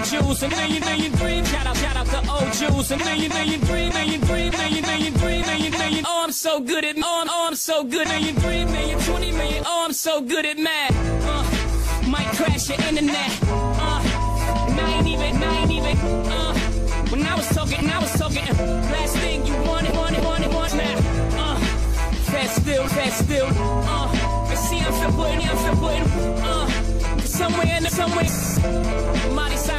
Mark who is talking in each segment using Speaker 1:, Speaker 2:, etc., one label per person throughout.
Speaker 1: juice, a million dreams. Shout out to old juice, a million dream, million. Oh, I'm so good at, oh, I'm so good. Million, 20 million. Oh, I'm so good at math. Might crash your internet. And I ain't even. When I was talking. Last thing you wanted now. Fast still. And see, I'm still putting. Somewhere. Mighty side.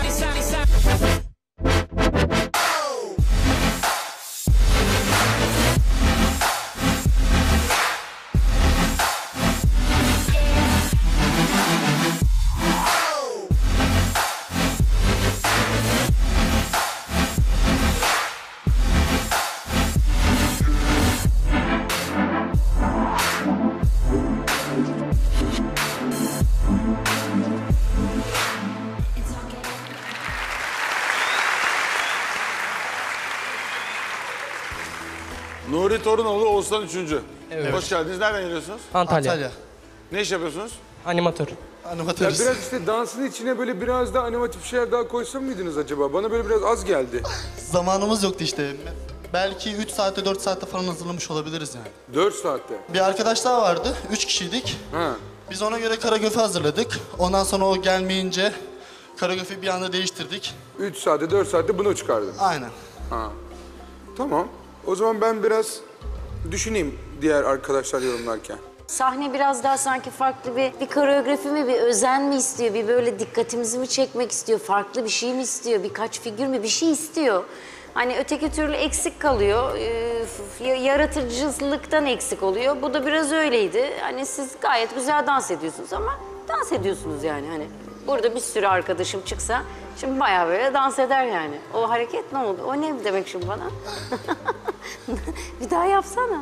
Speaker 2: Nuri Torunoğlu, Oğuzhan 3.
Speaker 3: Evet.
Speaker 2: Hoş geldiniz. Nereden geliyorsunuz?
Speaker 3: Antalya.
Speaker 2: Ne iş yapıyorsunuz?
Speaker 3: Animatör.
Speaker 4: Animatörüz.
Speaker 5: Biraz işte dansın içine böyle biraz daha animatif şeyler daha koysa mıydınız acaba? Bana böyle biraz az geldi.
Speaker 4: Zamanımız yoktu işte. Belki 3 saatte 4 saatte falan hazırlamış olabiliriz yani.
Speaker 5: 4 saatte.
Speaker 4: Bir arkadaş daha vardı. 3 kişiydik.
Speaker 5: Ha.
Speaker 4: Biz ona göre koreografi hazırladık. Ondan sonra o gelmeyince koreografi bir anda değiştirdik.
Speaker 5: 3 saatte 4 saatte bunu çıkardın.
Speaker 4: Aynen.
Speaker 5: Ha. Tamam. O zaman ben biraz düşüneyim diğer arkadaşlar yorumlarken.
Speaker 6: Sahne biraz daha sanki farklı bir koreografi mi, bir özen mi istiyor? Bir böyle dikkatimizi mi çekmek istiyor? Farklı bir şey mi istiyor? Birkaç figür mü? Bir şey istiyor. Hani öteki türlü eksik kalıyor. Yaratıcılıktan eksik oluyor. Bu da biraz öyleydi. Hani siz gayet güzel dans ediyorsunuz ama dans ediyorsunuz yani. Hani burada bir sürü arkadaşım çıksa şimdi bayağı böyle dans eder yani. O hareket ne oldu? O ne demek şimdi bana? Bir daha yapsana.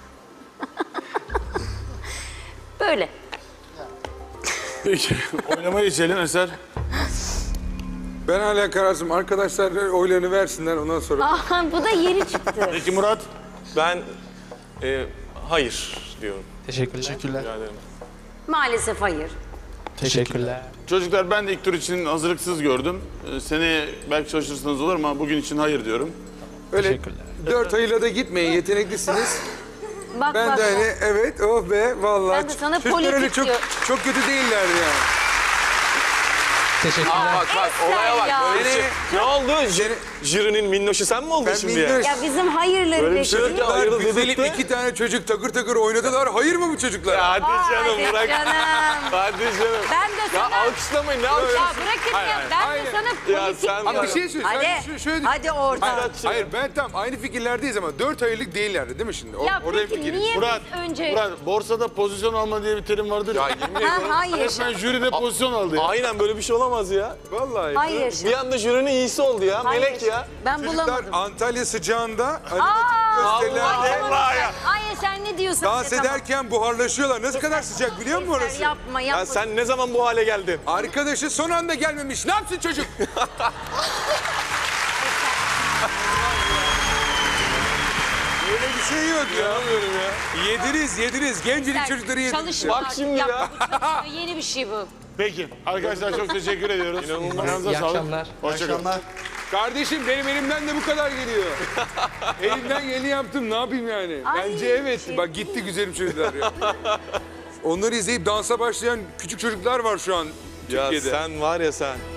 Speaker 6: Böyle.
Speaker 2: Peki, oynamaya geçelim Eser.
Speaker 5: Ben hala kararsızım. Arkadaşlar oylarını versinler ondan sonra.
Speaker 6: Aa, bu da yeni çıktı.
Speaker 2: Peki Murat?
Speaker 7: Ben hayır diyorum.
Speaker 4: Teşekkürler.
Speaker 7: Rica ederim.
Speaker 6: Maalesef hayır.
Speaker 3: Teşekkürler.
Speaker 2: Çocuklar ben de ilk tur için hazırlıksız gördüm. Seneye belki çalışırsınız olur ama bugün için hayır diyorum.
Speaker 5: Öyle
Speaker 3: Teşekkürler.
Speaker 5: 4 ayıyla da gitmeyin. Yeteneklisiniz.
Speaker 6: Bak
Speaker 5: Ben de hani evet oh be vallahi.
Speaker 6: Ben de sana
Speaker 5: Çocuklar öyle
Speaker 6: politik diyor.
Speaker 5: çok kötü değillerdi yani.
Speaker 3: Teşekkürler.
Speaker 7: Bak olaya bak.
Speaker 6: ya.
Speaker 7: Böyle bir şey. Ne oldu? Jürinin minnoşu sen mi oldun
Speaker 5: Ben
Speaker 7: şimdi
Speaker 5: minnoş.
Speaker 6: Ya bizim hayırları
Speaker 7: Böyle bir şey yok ya.
Speaker 6: bekliyor.
Speaker 7: Hayırlı
Speaker 5: Güzelim
Speaker 7: dedik de.
Speaker 5: 2 tane çocuk takır takır oynadılar. Hayır mı bu çocuklar?
Speaker 7: Ya hadi canım
Speaker 6: Hadi
Speaker 7: bırak.
Speaker 6: canım.
Speaker 7: Hadi canım.
Speaker 6: Ben de
Speaker 7: Ya
Speaker 6: sana...
Speaker 7: alkışlamayın ne
Speaker 6: Ya
Speaker 7: alkışlamayın.
Speaker 6: bırakın
Speaker 7: Hayır,
Speaker 6: ya.
Speaker 7: hayır.
Speaker 6: Ben
Speaker 5: Aynen.
Speaker 6: de sana
Speaker 7: Ya
Speaker 6: politik
Speaker 7: sen
Speaker 5: Ama
Speaker 6: diyorum.
Speaker 5: bir şey söyleyeyim.
Speaker 6: Hadi.
Speaker 5: Sen şöyle...
Speaker 6: Hadi oradan.
Speaker 5: Hayır ben tam aynı fikirlerdeyiz ama 4 aylık değillerdi değil mi şimdi?
Speaker 6: Ya
Speaker 5: Orada
Speaker 6: peki
Speaker 5: fikiriz.
Speaker 6: niye
Speaker 2: Murat,
Speaker 6: biz önce...
Speaker 2: Murat, borsada pozisyon alma diye bir terim vardır ya.
Speaker 7: Yemin
Speaker 6: Ha,
Speaker 7: ediyorum.
Speaker 6: hayır.
Speaker 2: Resmen jüride pozisyon aldı ya.
Speaker 7: Aynen böyle bir şey olamaz ya.
Speaker 5: Vallahi.
Speaker 6: Hayır.
Speaker 7: Bir anda jürinin iyisi oldu ya.
Speaker 6: Hayır.
Speaker 7: Melek ya.
Speaker 6: Ben
Speaker 5: Çocuklar
Speaker 6: bulamadım.
Speaker 5: Antalya sıcağında animatik
Speaker 7: Allah
Speaker 5: gösterilerde
Speaker 7: Allah ya.
Speaker 6: Hayır sen ne diyorsun?
Speaker 5: dans ederken buharlaşıyorlar. Nasıl kadar sıcak biliyor musun orası?
Speaker 6: Yapma
Speaker 7: Ya
Speaker 6: yapma.
Speaker 7: sen ne zaman bu hale geldin?
Speaker 5: Arkadaşı son anda gelmemiş. Ne yapsın çocuk? Öyle bir şey yok ya.
Speaker 7: Anlamıyorum ya.
Speaker 5: Yediriz. Gencecik çocukları yediriz.
Speaker 6: Çalışma.
Speaker 7: Bak şimdi ya.
Speaker 6: Bu çalışma. Yeni bir şey bu.
Speaker 2: Peki arkadaşlar çok teşekkür ediyoruz. Ayağınıza
Speaker 3: İyi
Speaker 2: sağlık.
Speaker 3: akşamlar.
Speaker 2: Hoşçakalın.
Speaker 4: Akşamlar.
Speaker 5: Kardeşim benim elimden de bu kadar geliyor. Elimden geleni yaptım. Ne yapayım yani?
Speaker 6: Ay.
Speaker 5: Bence evet. Bak gitti güzelim çocuklar ya. Onları izleyip dansa başlayan küçük çocuklar var şu an
Speaker 7: Ya
Speaker 5: Türkiye'de.
Speaker 7: sen var ya sen.